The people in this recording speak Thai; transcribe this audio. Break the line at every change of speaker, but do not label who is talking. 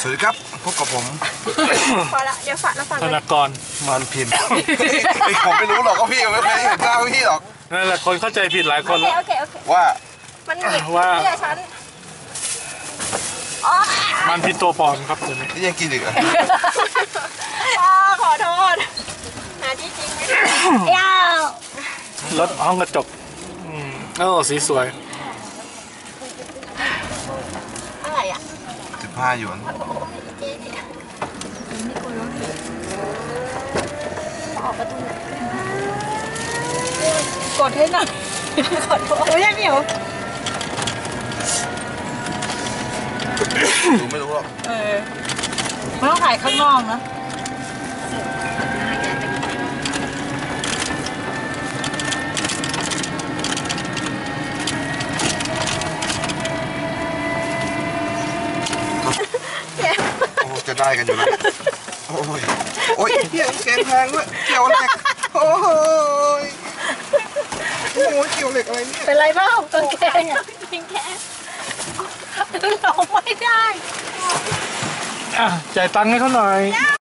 สวัสดีครับพบกับผม
พอละเดี๋ยวฝากแล้วฟัง
ธนากร
มันพินผมไม่รู้หรอกก็พี่ไม่เคยเห็นหน้าพี่หรอก
นั่นแหละคนเข้าใจผิดหลายคน
โอเค
ว่า
มันหงิกเชื่อฉัน
มันพินตัวปลอมครับตัวนี้
นี่ยังกินอีกเหรอ
ขอโทษหาที่จริงไม่ได้ยาว
รถห้องกระจกสีสวย
อะไรอ่ะ
15 หยวน
กดให้หน่อยขอโทษโอ้ยยังเหนียว
ดูไม่รู้หรอก
ไม่ต้องถ่ายข้างนอกนะ
โอ้จะได้กันอยู่แล้วโอ้ยเกี่ยวแกงแพงด้วยเกี่ยวเหล็กโอ้ยเกี่ยวเหล็กอะไรเนี่ย
เป็นไรบ้างกางเกงอ่ะกางเกงเราไม่ได้
จ่ายตังค์ให้เขาหน่อย